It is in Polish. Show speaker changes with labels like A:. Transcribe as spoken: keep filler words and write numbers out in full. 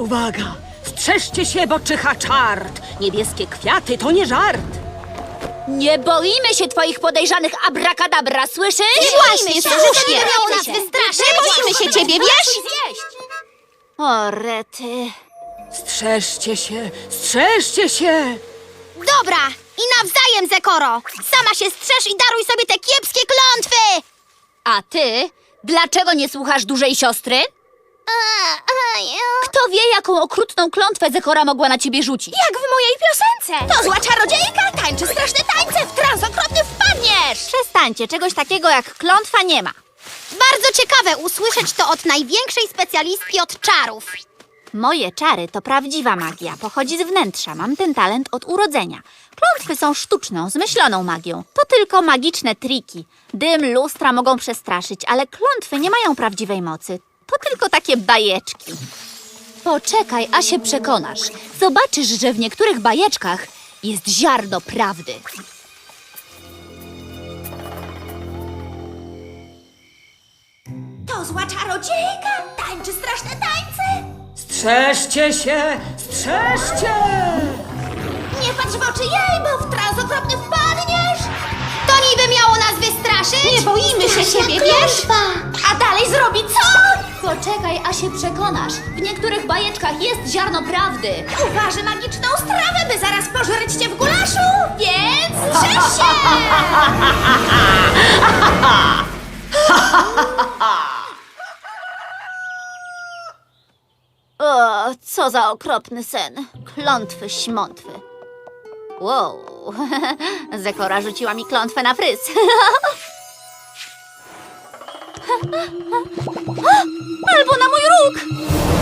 A: Uwaga! Strzeżcie się, bo czyha czart! Niebieskie kwiaty to nie żart!
B: Nie boimy się twoich podejrzanych abrakadabra, słyszysz?
C: Nie właśnie, słusznie. Nie miało nas wystraszyć. Nie boimy się ciebie, wiesz?
B: O, rety.
A: Strzeżcie się! Strzeżcie się!
C: Dobra, i nawzajem, Zekoro. Sama się strzeż i daruj sobie te kiepskie klątwy.
B: A ty? Dlaczego nie słuchasz dużej siostry? Kto wie, jaką okrutną klątwę Zekora mogła na ciebie rzucić?
C: Jak w mojej piosence. To zła czarodziejka, tańczy straszne tańce, w trans okropny wpadniesz.
B: Przestańcie, czegoś takiego jak klątwa nie ma.
C: Bardzo ciekawe usłyszeć to od największej specjalistki od czarów.
B: Moje czary to prawdziwa magia, pochodzi z wnętrza, mam ten talent od urodzenia. Klątwy są sztuczną, zmyśloną magią. To tylko magiczne triki. Dym, lustra mogą przestraszyć, ale klątwy nie mają prawdziwej mocy. To tylko takie bajeczki. Poczekaj, a się przekonasz. Zobaczysz, że w niektórych bajeczkach jest ziarno prawdy.
C: To zła czarodziejka, tańczy straszne tańce.
A: Strzeżcie się! Strzeżcie!
C: Nie patrz w oczy jej, bo w trans okropny wpadniesz. To niby miało nas wystraszyć? Nie boimy się ciebie, wiesz? A dalej zrobi co?
B: Poczekaj, a się przekonasz. W niektórych bajeczkach jest ziarno prawdy.
C: Uważy magiczną strawę, by zaraz pożreć cię w gulaszu, więc strzeż się!
B: O, co za okropny sen. Klątwy, śmątwy. Wow, Zekora rzuciła mi klątwę na fryz. Albo na mój róg!